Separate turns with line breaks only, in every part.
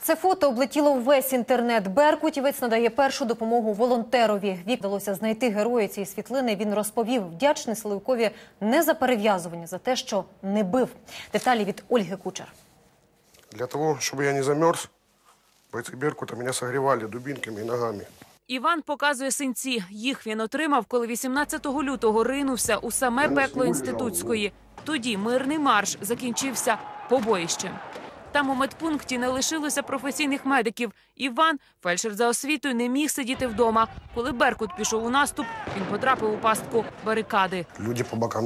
Це фото облетіло увесь інтернет. Беркутівець надає першу допомогу волонтерові. Вдалося знайти героя цієї світлини. Він розповів, вдячний силовикові не за перев'язування, за те, що не бив. Деталі від Ольги Кучер.
Для того, щоб я не замерз, бойці Беркута мене согрівали дубинками і ногами.
Іван показує синці. Їх він отримав, коли 18 лютого ринувся у саме пекло Інститутської. Тоді мирний марш закінчився побоїщем. Там у медпункті не лишилося професійних медиків. Іван, фельдшер за освітою, не міг сидіти вдома. Коли Беркут пішов у наступ, він потрапив у пастку барикади.
Люди по бокам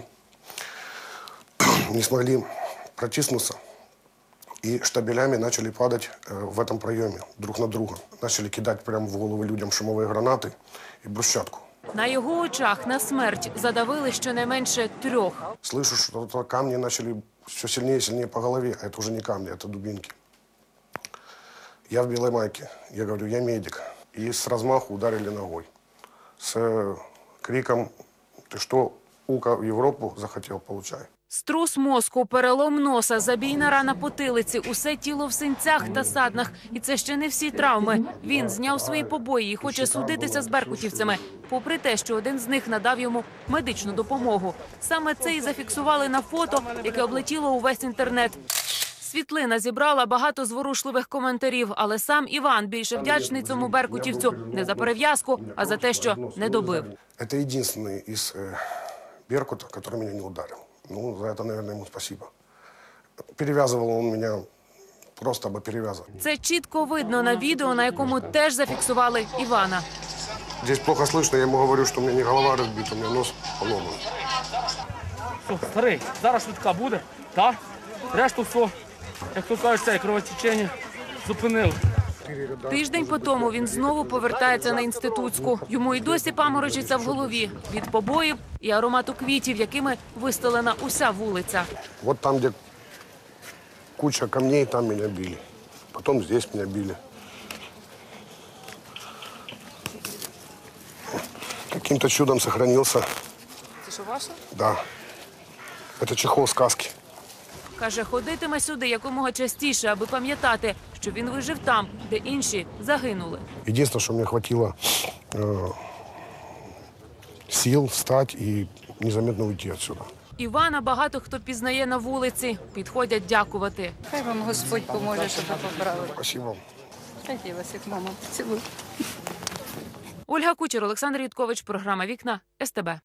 не смогли протиснуться. И штабелями начали падать в этом проеме друг на друга. Начали кидать прямо в головы людям шумовые гранаты и брусчатку.
На його очах на смерть задавили щонайменше 3.
Слышу, что камни начали все сильнее и сильнее по голове. А это уже не камни, это дубинки. Я в белой майке. Я говорю, я медик. И с размаху ударили ногой. С криком, ты что, Ука в Европу захотел, получай.
Струс мозку, перелом носа, забійна рана потилиці, усе тіло в синцях та саднах. І це ще не всі травми. Він зняв свої побої і хоче судитися з беркутівцями, попри те, що один з них надав йому медичну допомогу. Саме це і зафіксували на фото, яке облетіло увесь інтернет. Світлина зібрала багато зворушливих коментарів, але сам Іван більше вдячний цьому беркутівцю не за перев'язку, а за те, що не добив.
Це єдиний із Беркута, який мене не ударив. Ну, за это, наверное, ему спасибо. Перевязывал он меня просто аби перевязывал.
Це чітко видно на відео, на якому теж зафіксували Івана.
Здесь плохо слышно, я ему говорю, что у меня не голова разбита, у меня нос поломан.
Все, старий, зараз швидка буде, так? Решту все, як то кажуть, це кровотечення зупинили.
Тиждень по тому він знову повертається на Інститутську. Йому й досі паморочиться в голові від побоїв і аромату квітів, якими вистелена уся вулиця.
Вот там, где куча камней, там меня били. Потом здесь меня били. Каким-то чудом сохранился.
Це що, ваше?
Да. Это чехол сказки.
Каже, ходитиме сюди якомога частіше, аби пам'ятати, що він вижив там, де інші загинули.
Единственное, что мне хватило сил встать и незаметно уйти отсюда.
Івана багато хто пізнає на вулиці. Підходять дякувати.
Хай вам Господь поможе, щоб ви побрали.
Спасибо.
Хай вас, як мама, цілую.
Ольга Кучер, Олександр Юткович, програма «Вікна», СТБ.